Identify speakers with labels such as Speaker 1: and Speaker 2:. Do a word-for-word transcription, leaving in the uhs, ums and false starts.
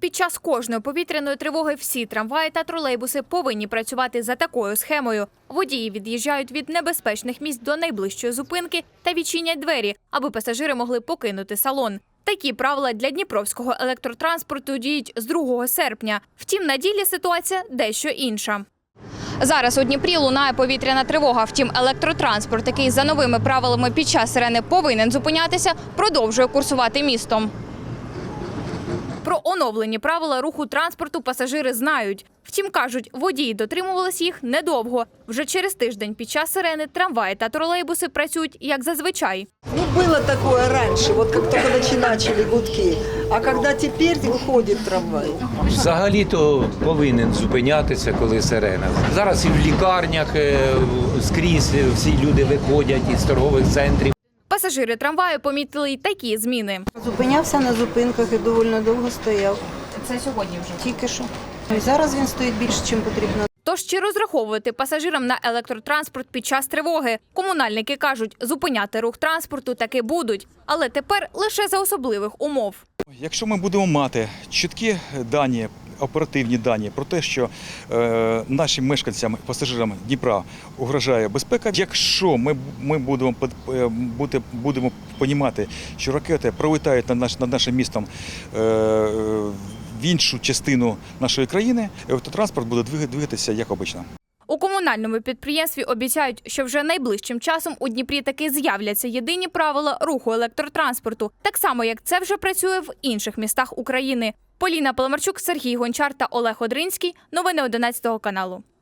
Speaker 1: під час кожної повітряної тривоги всі трамваї та тролейбуси повинні працювати за такою схемою. Водії від'їжджають від небезпечних місць до найближчої зупинки та відчинять двері, аби пасажири могли покинути салон. Такі правила для дніпровського електротранспорту діють з другого серпня. Втім, на ділі ситуація дещо інша. Зараз у Дніпрі лунає повітряна тривога. Втім, електротранспорт, який за новими правилами під час сирени повинен зупинятися, продовжує курсувати містом. Про оновлені правила руху транспорту пасажири знають. Втім, кажуть, водії дотримувались їх недовго. Вже через тиждень під час сирени трамваї та тролейбуси працюють, як зазвичай.
Speaker 2: Ну, было такое раньше, вот как только начали гудки. А когда теперь выходит трамвай?
Speaker 3: Взагалі-то повинен зупинятися, коли сирена. Зараз і в лікарнях е, скрізь всі люди виходять із торгових центрів.
Speaker 1: Пасажири трамваю помітили й такі зміни.
Speaker 4: Зупинявся на зупинках і доволі довго стояв.
Speaker 1: Це сьогодні вже.
Speaker 4: Тільки що. І зараз він стоїть більше, ніж потрібно.
Speaker 1: Тож чи розраховувати пасажирам на електротранспорт під час тривоги? Комунальники кажуть, зупиняти рух транспорту таки будуть, але тепер лише за особливих умов.
Speaker 5: Якщо ми будемо мати чіткі дані, оперативні дані про те, що е, нашим мешканцям, пасажирам Дніпра угрожає безпека, якщо ми, ми будемо, буде, будемо розуміти, що ракети пролітають над, наш, над нашим містом е, в іншу частину нашої країни, автотранспорт буде двигатися як обично.
Speaker 1: У комунальному підприємстві обіцяють, що вже найближчим часом у Дніпрі таки з'являться єдині правила руху електротранспорту, так само, як це вже працює в інших містах України. Поліна Паламарчук, Сергій Гончар та Олег Одринський. Новини одинадцятого каналу.